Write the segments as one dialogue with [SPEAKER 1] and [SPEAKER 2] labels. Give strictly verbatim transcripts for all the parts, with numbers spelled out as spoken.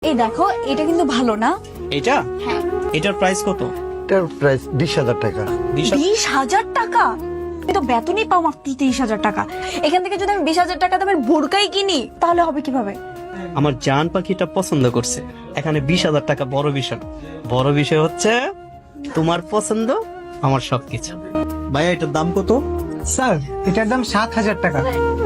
[SPEAKER 1] এই দেখো, এটা কিন্তু ভালো না।
[SPEAKER 2] এটা
[SPEAKER 1] হ্যাঁ।
[SPEAKER 2] এটার প্রাইস কত?
[SPEAKER 3] এটার প্রাইস বিশ হাজার টাকা।
[SPEAKER 1] বিশ হাজার টাকা? আমি তো বেতনই পাও মাত্র তিরিশ হাজার টাকা। এখান থেকে যদি আমি বিশ হাজার টাকা দামের বোরকাই কিনি তাহলে হবে কিভাবে?
[SPEAKER 2] আমার জান পাখিটা পছন্দ করছে। এখানে বিশ হাজার টাকা বড় বিষয় না। বড় বিষয় হচ্ছে তোমার পছন্দ আমার সবকিছু। ভাইয়া এটার দাম কত?
[SPEAKER 4] স্যার এটার দাম সাত হাজার টাকা।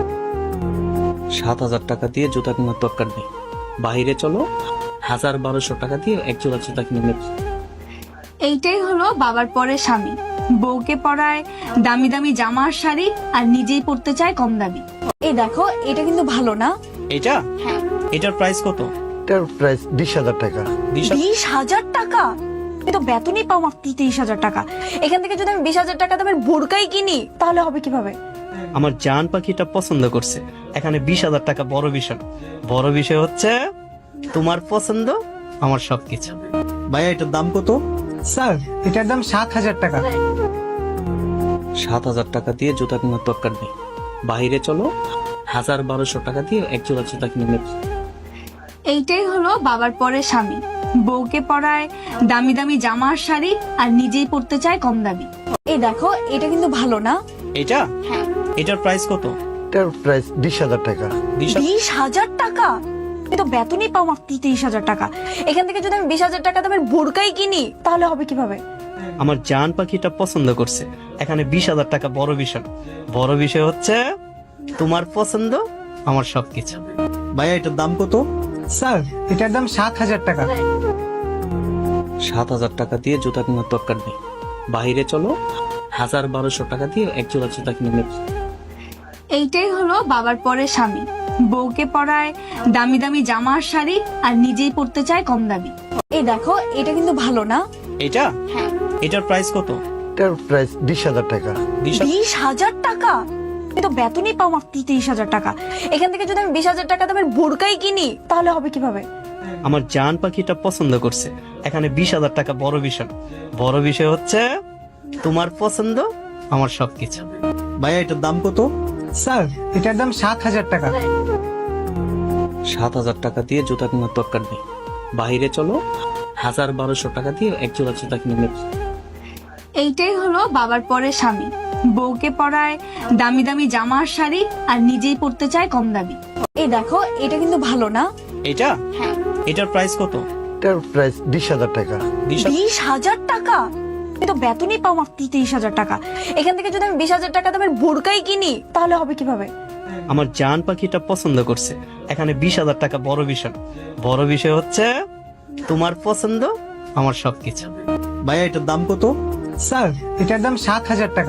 [SPEAKER 2] সাত হাজার টাকা দিয়ে জুতা কেনার দরকার নেই। বাহিরে চলো, হাজার বারোশো টাকা দিয়ে এক জোড়া জুতা কিনে নেবে।
[SPEAKER 1] এইটাই হলো বাবার পরে স্বামী। বউকে পরায় দামি দামি জামা আর শাড়ি, আর নিজেই পড়তে চায় কম দামি। এই দেখো, এটা কিন্তু ভালো না।
[SPEAKER 2] এটা
[SPEAKER 1] হ্যাঁ।
[SPEAKER 2] এটার প্রাইস কত?
[SPEAKER 3] এটার প্রাইস বিশ হাজার টাকা।
[SPEAKER 1] বিশ হাজার টাকা? আমি তো বেতনই পাও মাত্র তিরিশ হাজার টাকা। এখান থেকে যদি আমি বিশ হাজার টাকা দামের বোরকাই কিনি তাহলে হবে কিভাবে?
[SPEAKER 2] আমার জান পাখিটা পছন্দ করছে। এখানে বিশ হাজার টাকা বড় বিষয় না। বড় বিষয় হচ্ছে তোমার পছন্দ আমার সবকিছু। ভাইয়া এটার দাম কত?
[SPEAKER 4] স্যার এটার দাম সাত হাজার টাকা।
[SPEAKER 2] সাত হাজার টাকা দিয়ে জুতা কেনার দরকার নেই। বাহিরে চলো, হাজার বারোশো টাকা দিয়ে এক জোড়া জুতা কিনে নেবে।
[SPEAKER 1] এইটাই হলো বাবার পরে স্বামী। বউকে পরায় দামি দামি জামা আর শাড়ি, আর নিজেই পড়তে চায় কম দামি। এই দেখো, এটা কিন্তু ভালো না।
[SPEAKER 2] এটা
[SPEAKER 1] হ্যাঁ।
[SPEAKER 2] এটার প্রাইস কত?
[SPEAKER 3] এটার প্রাইস বিশ হাজার টাকা।
[SPEAKER 1] বিশ হাজার টাকা? আমি তো বেতনই পাও মাত্র তিরিশ হাজার টাকা। এখান থেকে যদি আমি বিশ হাজার টাকা দামের বোরকাই কিনি তাহলে হবে কিভাবে?
[SPEAKER 2] আমার জান পাখিটা পছন্দ করছে। এখানে বিশ হাজার টাকা বড় বিষয় না। বড় বিষয় হচ্ছে তোমার পছন্দ আমার সবকিছু। ভাইয়া এটার দাম কত?
[SPEAKER 4] স্যার এটার দাম সাত হাজার টাকা।
[SPEAKER 2] সাত হাজার টাকা দিয়ে জুতা কেনার দরকার নেই। বাহিরে চলো, হাজার বারোশো টাকা দিয়ে এক জোড়া জুতা কিনে নেবে।
[SPEAKER 1] এইটাই হলো বাবার পরে স্বামী। বউকে পরায় দামি দামি জামা আর শাড়ি, আর নিজেই পড়তে চায় কম দামি। এই দেখো, এটা কিন্তু ভালো না।
[SPEAKER 2] এটা
[SPEAKER 1] হ্যাঁ।
[SPEAKER 2] এটার প্রাইস কত?
[SPEAKER 3] এটার প্রাইস বিশ হাজার টাকা।
[SPEAKER 1] বিশ হাজার টাকা? আমি তো বেতনই পাও মাত্র তিরিশ হাজার টাকা। এখান থেকে যদি আমি বিশ হাজার টাকা দামের বোরকাই কিনি তাহলে হবে কিভাবে?
[SPEAKER 2] আমার জান পাখিটা পছন্দ করছে। এখানে বিশ হাজার টাকা বড় বিষয় না। বড় বিষয় হচ্ছে তোমার পছন্দ আমার সবকিছু। ভাইয়া এটার দাম কত?
[SPEAKER 4] স্যার এটার দাম সাত হাজার টাকা।
[SPEAKER 2] সাত হাজার টাকা দিয়ে জুতা কেনার দরকার নেই। বাহিরে চলো, হাজার বারোশো টাকা দিয়ে এক জোড়া জুতা কিনে নেবে।
[SPEAKER 1] এইটাই হলো বাবার পরে স্বামী। বউকে পরায় দামি দামি জামা আর শাড়ি, আর নিজেই পড়তে চায় কম দামি। এই দেখো, এটা কিন্তু ভালো না।
[SPEAKER 2] এটা
[SPEAKER 1] হ্যাঁ।
[SPEAKER 2] এটার প্রাইস কত?
[SPEAKER 3] এটার প্রাইস বিশ হাজার টাকা।
[SPEAKER 1] বিশ হাজার টাকা? আমি তো বেতনই পাও মাত্র তিরিশ হাজার টাকা। এখান থেকে যদি আমি বিশ হাজার টাকা দামের বোরকাই কিনি তাহলে হবে কিভাবে?
[SPEAKER 2] আমার জান পাখিটা পছন্দ করছে। এখানে বিশ হাজার টাকা বড় বিষয় না। বড় বিষয় হচ্ছে তোমার পছন্দ আমার সবকিছু। ভাইয়া এটার দাম কত?
[SPEAKER 4] স্যার এটার দাম সাত হাজার টাকা।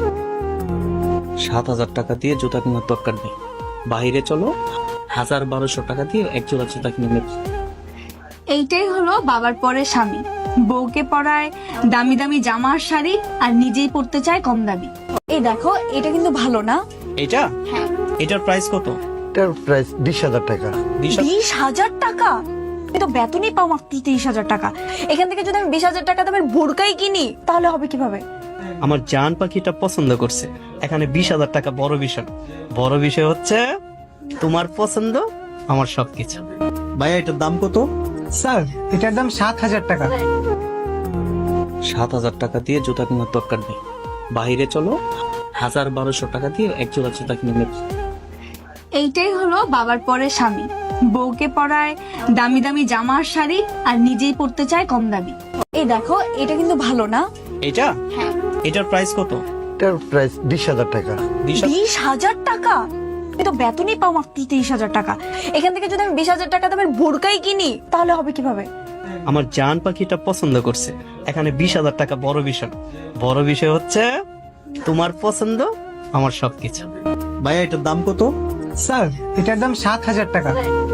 [SPEAKER 2] সাত হাজার টাকা দিয়ে জুতা কেনার দরকার নেই। বাহিরে চলো, হাজার বারোশো টাকা দিয়ে এক জোড়া জুতা কিনে নেবে।
[SPEAKER 1] এইটাই হলো বাবার পরে স্বামী। বউকে পরায় দামি দামি জামা আর শাড়ি, আর নিজেই পড়তে চায় কম দামি। এই দেখো, এটা কিন্তু ভালো না।
[SPEAKER 2] এটা
[SPEAKER 1] হ্যাঁ।
[SPEAKER 2] এটার প্রাইস কত?
[SPEAKER 3] এটার প্রাইস বিশ হাজার টাকা।
[SPEAKER 1] বিশ হাজার টাকা? আমি তো বেতনই পাও মাত্র তিরিশ হাজার টাকা। এখান থেকে যদি আমি বিশ হাজার টাকা দামের বোরকাই কিনি তাহলে হবে কিভাবে?
[SPEAKER 2] আমার জান পাখিটা পছন্দ করছে। এখানে বিশ হাজার টাকা বড় বিষয় না। বড় বিষয় হচ্ছে তোমার পছন্দ আমার সবকিছু। ভাইয়া এটার দাম কত?
[SPEAKER 4] স্যার এটার দাম সাত হাজার টাকা।
[SPEAKER 2] সাত হাজার টাকা দিয়ে জুতা কেনার দরকার নেই। বাহিরে চলো, হাজার বারোশো টাকা দিয়ে এক জোড়া জুতা কিনে নেবে।
[SPEAKER 1] এইটাই হলো বাবার পরে স্বামী। বউকে পরায় দামি দামি জামা আর শাড়ি, আর নিজেই পড়তে চায় কম দামি। এই দেখো, এটা কিন্তু ভালো না।
[SPEAKER 2] এটা
[SPEAKER 1] হ্যাঁ।
[SPEAKER 2] এটার প্রাইস কত?
[SPEAKER 3] এটার প্রাইস বিশ হাজার টাকা।
[SPEAKER 1] বিশ হাজার টাকা? আমি তো বেতনই পাও মাত্র তিরিশ হাজার টাকা। এখান থেকে যদি আমি বিশ হাজার টাকা দামের বোরকাই কিনি তাহলে হবে কিভাবে?
[SPEAKER 2] আমার জান পাখিটা পছন্দ করছে। এখানে বিশ হাজার টাকা বড় বিষয় না। বড় বিষয় হচ্ছে তোমার পছন্দ আমার সবকিছু। ভাইয়া এটার দাম কত?
[SPEAKER 4] স্যার এটার দাম সাত হাজার টাকা।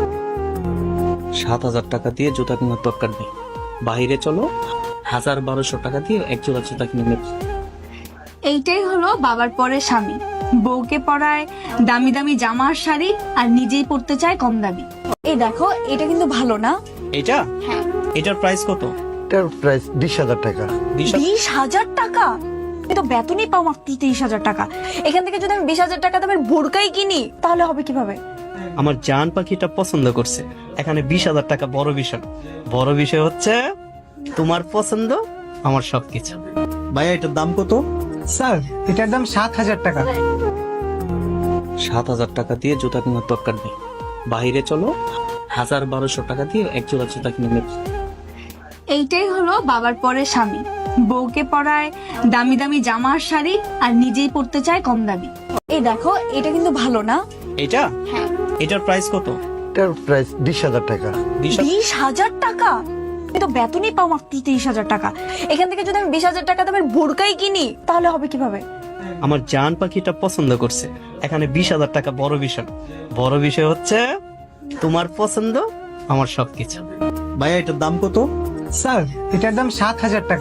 [SPEAKER 2] সাত হাজার টাকা দিয়ে জুতা কেনার দরকার নেই। বাহিরে চলো, হাজার বারোশো টাকা দিয়ে এক জোড়া জুতা কিনে নেবে।
[SPEAKER 1] এইটাই হলো বাবার পরে স্বামী। বউকে পরায় দামি দামি জামা আর শাড়ি, আর নিজেই পড়তে চায় কম দামি। এই দেখো, এটা কিন্তু ভালো না।
[SPEAKER 2] এটা
[SPEAKER 1] হ্যাঁ।
[SPEAKER 2] এটার প্রাইস কত?
[SPEAKER 3] এটার প্রাইস বিশ হাজার টাকা।
[SPEAKER 1] বিশ হাজার টাকা? আমি তো বেতনই পাও মাত্র তিরিশ হাজার টাকা। এখান থেকে যদি আমি বিশ হাজার টাকা দামের বোরকাই কিনি তাহলে হবে কিভাবে?
[SPEAKER 2] আমার জান পাখিটা পছন্দ করছে। এখানে বিশ হাজার টাকা বড় বিষয় না। বড় বিষয় হচ্ছে তোমার পছন্দ আমার সবকিছু। ভাইয়া এটার দাম কত?
[SPEAKER 4] স্যার এটার দাম সাত হাজার টাকা।
[SPEAKER 2] সাত হাজার টাকা দিয়ে জুতা কেনার দরকার নেই, বাহিরে চলো। হাজার বারোশো টাকা দিয়ে এক জোড়া জুতা কিনে নেবে।
[SPEAKER 1] এইটাই হলো বাবার পরে স্বামী, বউকে পরায় দামি দামি জামা আর শাড়ি, আর নিজেই পড়তে চায় কম দামি। এই দেখো, এটা কিন্তু ভালো না?
[SPEAKER 2] এটা এটার প্রাইস কত?
[SPEAKER 3] এটার প্রাইস বিশ হাজার টাকা।
[SPEAKER 1] বিশ হাজার টাকা? আমি তো বেতনই পাও মাত্র তিরিশ হাজার টাকা। এখান থেকে যদি আমি বিশ হাজার টাকা দামের বোরকাই কিনি তাহলে হবে কিভাবে?
[SPEAKER 2] আমার জান পাখিটা পছন্দ করছে। এখানে বিশ হাজার টাকা বড় বিষয় না। বড় বিষয় হচ্ছে তোমার পছন্দ আমার সবকিছু। ভাইয়া এটার দাম কত?
[SPEAKER 4] স্যার এটার দাম সাত হাজার টাকা।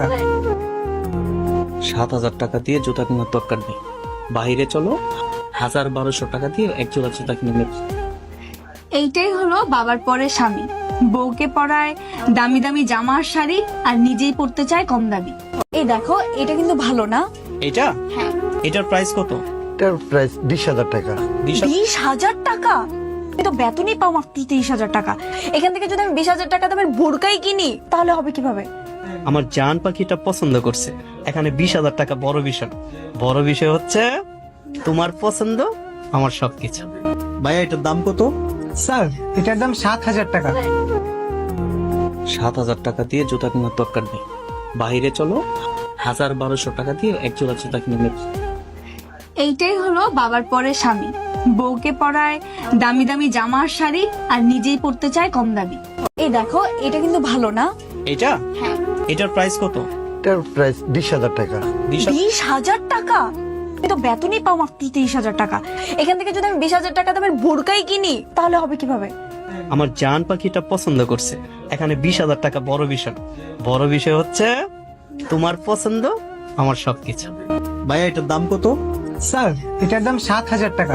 [SPEAKER 2] সাত হাজার টাকা দিয়ে জুতা কেনার দরকার নেই, বাহিরে চলো। হাজার বারোশো টাকা দিয়ে এক জোড়া জুতা কিনে নেবে।
[SPEAKER 1] এইটাই হলো বাবার পরে স্বামী, বউকে পরায় দামি দামি জামা আর শাড়ি, আর নিজেই পড়তে চায় কম দামি। এই দেখো, এটা কিন্তু ভালো না?
[SPEAKER 2] এটা এটার প্রাইস কত?
[SPEAKER 3] এটার প্রাইস বিশ হাজার টাকা।
[SPEAKER 1] বিশ হাজার টাকা? আমি তো বেতনই পাও মাত্র তিরিশ হাজার টাকা। এখান থেকে যদি আমি বিশ হাজার টাকা দামের বোরকাই কিনি তাহলে হবে কিভাবে?
[SPEAKER 2] আমার জান পাখিটা পছন্দ করছে। এখানে বিশ হাজার টাকা বড় বিষয় না। বড় বিষয় হচ্ছে তোমার পছন্দ আমার সবকিছু। ভাইয়া এটার দাম কত?
[SPEAKER 4] স্যার এটার দাম সাত হাজার টাকা।
[SPEAKER 2] সাত হাজার টাকা দিয়ে জুতা কেনার দরকার নেই, বাহিরে চলো। হাজার বারোশো টাকা দিয়ে এক জোড়া জুতা কিনে নেবে।
[SPEAKER 1] এইটাই হলো বাবার পরে স্বামী, বউকে পরায় দামি দামি জামা আর শাড়ি, আর নিজেই পড়তে চায় কম দামি। এই দেখো, এটা কিন্তু ভালো না?
[SPEAKER 2] এটা এটার প্রাইস কত?
[SPEAKER 3] এটার প্রাইস বিশ হাজার টাকা।
[SPEAKER 1] বিশ হাজার টাকা? আমি তো বেতনই পাও মাত্র তিরিশ হাজার টাকা। এখান থেকে যদি আমি বিশ হাজার টাকা দামের বোরকাই কিনি তাহলে হবে কিভাবে?
[SPEAKER 2] আমার জান পাখিটা পছন্দ করছে। এখানে বিশ হাজার টাকা বড় বিষয় না। বড় বিষয় হচ্ছে তোমার পছন্দ আমার সবকিছু। ভাইয়া এটার দাম কত?
[SPEAKER 4] স্যার এটার দাম সাত হাজার টাকা।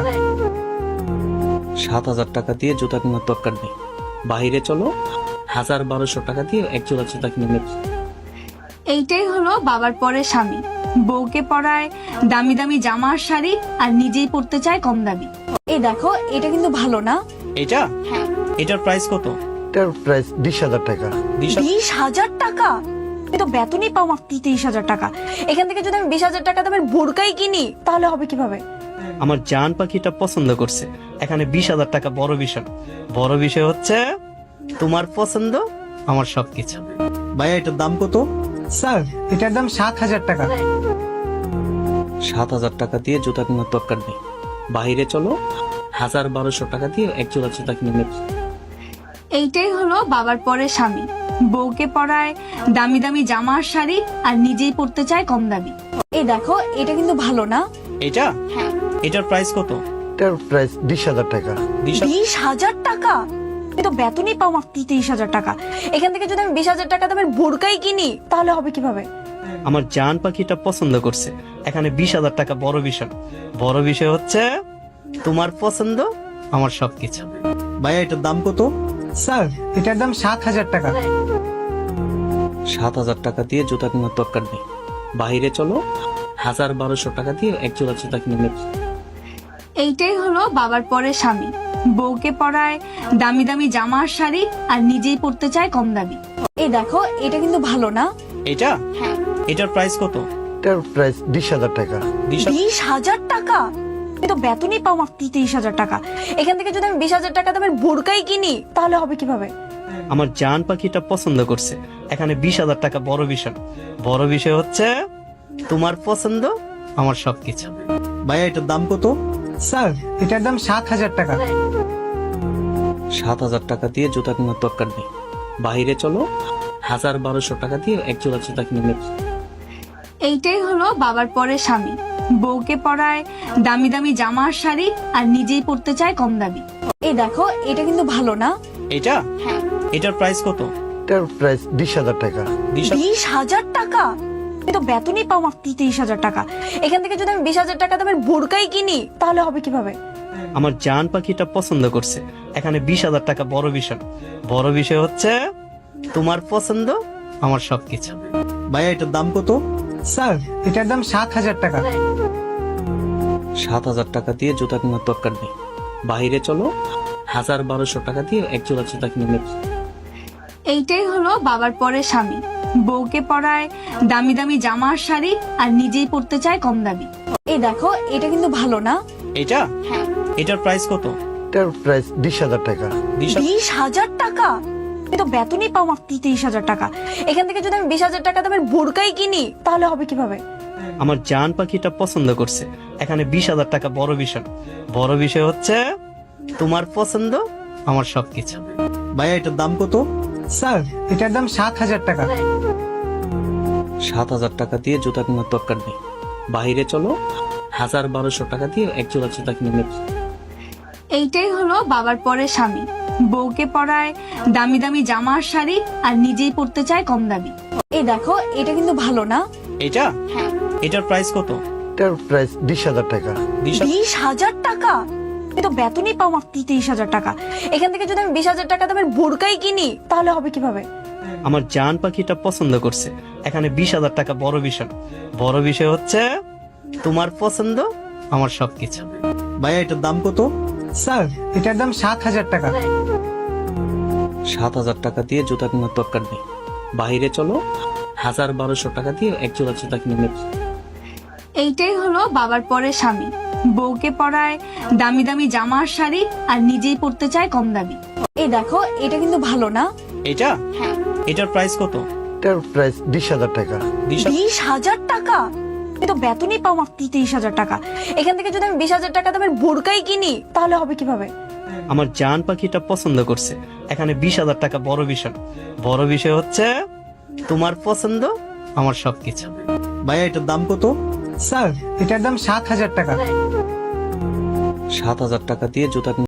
[SPEAKER 2] সাত হাজার টাকা দিয়ে জুতা কেনার দরকার নেই, বাহিরে চলো। হাজার বারোশো টাকা দিয়ে এক জোড়া জুতা কিনে নেবে।
[SPEAKER 1] এইটাই হলো বাবার পরে স্বামী, বউকে পরায় দামি দামি জামা আর শাড়ি, আর নিজেই পড়তে চায় কম দামি। এই দেখো, এটা কিন্তু ভালো না?
[SPEAKER 2] এটা এটার প্রাইস কত?
[SPEAKER 3] এটার প্রাইস বিশ হাজার টাকা।
[SPEAKER 1] বিশ হাজার টাকা? আমি তো বেতনই পাও মাত্র তিরিশ হাজার টাকা। এখান থেকে যদি আমি বিশ হাজার টাকা দামের বোরকাই কিনি তাহলে হবে কিভাবে?
[SPEAKER 2] আমার জান পাখিটা পছন্দ করছে। এখানে বিশ হাজার টাকা বড় বিষয় না। বড় বিষয় হচ্ছে তোমার পছন্দ আমার সবকিছু। ভাইয়া এটার দাম কত?
[SPEAKER 4] স্যার এটার দাম সাত হাজার টাকা।
[SPEAKER 2] সাত হাজার টাকা দিয়ে জুতা কেনার দরকার নেই, বাহিরে চলো। হাজার বারোশো টাকা দিয়ে এক জোড়া জুতা কিনে নেবে।
[SPEAKER 1] এইটাই হলো বাবার পরে স্বামী, বউকে পরায় দামি দামি জামা আর শাড়ি, আর নিজেই পড়তে চায় কম দামি। এই দেখো, এটা কিন্তু ভালো না?
[SPEAKER 2] এটা এটার প্রাইস কত?
[SPEAKER 3] এটার প্রাইস বিশ হাজার টাকা।
[SPEAKER 1] বিশ হাজার টাকা? আমি তো বেতনই পাও মাত্র তিরিশ হাজার টাকা। এখান থেকে যদি আমি বিশ হাজার টাকা দামের বোরকাই কিনি তাহলে হবে কিভাবে?
[SPEAKER 2] আমার জান পাখিটা পছন্দ করছে। এখানে বিশ হাজার টাকা বড় বিষয় না। বড় বিষয় হচ্ছে তোমার পছন্দ আমার সবকিছু। ভাইয়া এটার দাম কত?
[SPEAKER 4] স্যার এটার দাম সাত হাজার টাকা।
[SPEAKER 2] সাত হাজার টাকা দিয়ে জুতা কেনার দরকার নেই, বাহিরে চলো। হাজার বারোশো টাকা দিয়ে এক জোড়া জুতা কিনে নেবে।
[SPEAKER 1] এইটাই হলো বাবার পরে স্বামী, বউকে পরায় দামি দামি জামা আর শাড়ি, আর নিজেই পড়তে চায় কম দামি। এই দেখো, এটা কিন্তু ভালো না?
[SPEAKER 2] এটা এটার প্রাইস কত?
[SPEAKER 3] এটার প্রাইস বিশ হাজার টাকা।
[SPEAKER 1] বিশ হাজার টাকা? আমি তো বেতনই পাও মাত্র তিরিশ হাজার টাকা। এখান থেকে যদি আমি বিশ হাজার টাকা দামের বোরকাই কিনি তাহলে হবে কিভাবে?
[SPEAKER 2] আমার জান পাখিটা পছন্দ করছে। এখানে বিশ হাজার টাকা বড় বিষয় না। বড় বিষয় হচ্ছে তোমার পছন্দ আমার সবকিছু। ভাইয়া এটার দাম কত?
[SPEAKER 4] স্যার এটার দাম সাত হাজার টাকা।
[SPEAKER 2] সাত হাজার টাকা দিয়ে জুতা কেনার দরকার নেই, বাহিরে চলো। হাজার বারোশো টাকা দিয়ে এক জোড়া জুতা কিনে নেবে।
[SPEAKER 1] এইটাই হলো বাবার পরে স্বামী, বউকে পরায় দামি দামি জামা আর শাড়ি, আর নিজেই পড়তে চায় কম দামি। এই দেখো, এটা কিন্তু ভালো না?
[SPEAKER 2] এটা এটার প্রাইস কত?
[SPEAKER 3] এটার প্রাইস বিশ হাজার টাকা।
[SPEAKER 1] বিশ হাজার টাকা? আমি তো বেতনই পাও মাত্র তিরিশ হাজার টাকা। এখান থেকে যদি আমি বিশ হাজার টাকা দামের বোরকাই কিনি তাহলে হবে কিভাবে?
[SPEAKER 2] আমার জান পাখিটা পছন্দ করছে। এখানে বিশ হাজার টাকা বড় বিষয় না। বড় বিষয় হচ্ছে তোমার পছন্দ আমার সবকিছু। ভাইয়া এটার দাম কত?
[SPEAKER 4] স্যার এটার দাম সাত হাজার টাকা।
[SPEAKER 2] সাত হাজার টাকা দিয়ে জুতা কেনার দরকার নেই, বাহিরে চলো।
[SPEAKER 5] হাজার বারোশো টাকা দিয়ে এক জোড়া জুতা কিনে নেবে।
[SPEAKER 1] এইটাই হলো বাবার পরে স্বামী, বউকে পরায় দামি দামি জামা আর শাড়ি আর নিজেই পড়তে চায় কম দামি। এই দেখো এটা কিন্তু ভালো না?
[SPEAKER 2] এটা
[SPEAKER 1] হ্যাঁ।
[SPEAKER 2] এটার প্রাইস কত?
[SPEAKER 3] এটার প্রাইস বিশ হাজার টাকা।
[SPEAKER 2] বিশ হাজার-
[SPEAKER 1] বিশ হাজার টাকা? আমি তো বেতনই পাও মাত্র তিরিশ হাজার টাকা। এখান থেকে যদি আমি বিশ হাজার টাকা দামের বোরকাই কিনি তাহলে হবে কিভাবে?
[SPEAKER 2] আমার জান পাখিটা পছন্দ করছে। এখানে বিশ হাজার টাকা বড় বিষয় না। বড় বিষয় হচ্ছে তোমার পছন্দ আমার সবকিছু। ভাইয়া এটার দাম কত?
[SPEAKER 4] স্যার এটার দাম সাত হাজার টাকা।
[SPEAKER 5] সাত হাজার টাকা দিয়ে জুতা কেনার দরকার নেই, বাইরে চলো, হাজার বারোশো টাকা দিয়ে এক জোড়া জুতা কিনে নেবে।
[SPEAKER 1] এইটাই হলো বাবার পরে স্বামী, বউকে পরায় দামি দামি জামা আর শাড়ি আর নিজেই পড়তে চায় কম দামি। এই দেখো এটা কিন্তু ভালো না?
[SPEAKER 2] এটা
[SPEAKER 1] হ্যাঁ।
[SPEAKER 2] এটার প্রাইস কত?
[SPEAKER 3] এটার প্রাইস বিশ হাজার টাকা।
[SPEAKER 2] বিশ হাজার-
[SPEAKER 1] বিশ হাজার টাকা? আমি তো বেতনই পাও মাত্র তিরিশ হাজার টাকা। এখান থেকে যদি আমি বিশ হাজার টাকা দামের বোরকাই কিনি তাহলে হবে কিভাবে?
[SPEAKER 2] আমার জান পাখিটা পছন্দ করছে। এখানে বিশ হাজার টাকা বড় বিষয় না। বড় বিষয় হচ্ছে তোমার পছন্দ আমার সবকিছু। ভাইয়া এটার দাম কত?
[SPEAKER 4] স্যার এটার দাম সাত হাজার টাকা।
[SPEAKER 5] সাত হাজার টাকা দিয়ে জুতা কেনার দরকার নেই, বাইরে চলো, হাজার বারোশো টাকা দিয়ে এক জোড়া জুতা কিনে নেবে।
[SPEAKER 1] এইটাই হলো বাবার পরে স্বামী, বউকে পরায় দামি দামি জামা আর শাড়ি আর নিজেই পড়তে চায় কম দামি। এই দেখো এটা কিন্তু ভালো না?
[SPEAKER 2] এটা
[SPEAKER 1] হ্যাঁ।
[SPEAKER 2] এটার প্রাইস কত?
[SPEAKER 3] এটার প্রাইস বিশ হাজার টাকা।
[SPEAKER 2] বিশ হাজার-
[SPEAKER 1] বিশ হাজার টাকা? আমি তো বেতনই পাও মাত্র তিরিশ হাজার টাকা। এখান থেকে যদি আমি বিশ হাজার টাকা দামের বোরকাই কিনি তাহলে হবে কিভাবে?
[SPEAKER 2] আমার জান পাখিটা পছন্দ করছে। এখানে বিশ হাজার টাকা বড় বিষয় না। বড় বিষয় হচ্ছে তোমার পছন্দ আমার সবকিছু। ভাইয়া এটার দাম কত?
[SPEAKER 4] স্যার এটার দাম সাত হাজার টাকা।
[SPEAKER 5] সাত হাজার টাকা দিয়ে জুতা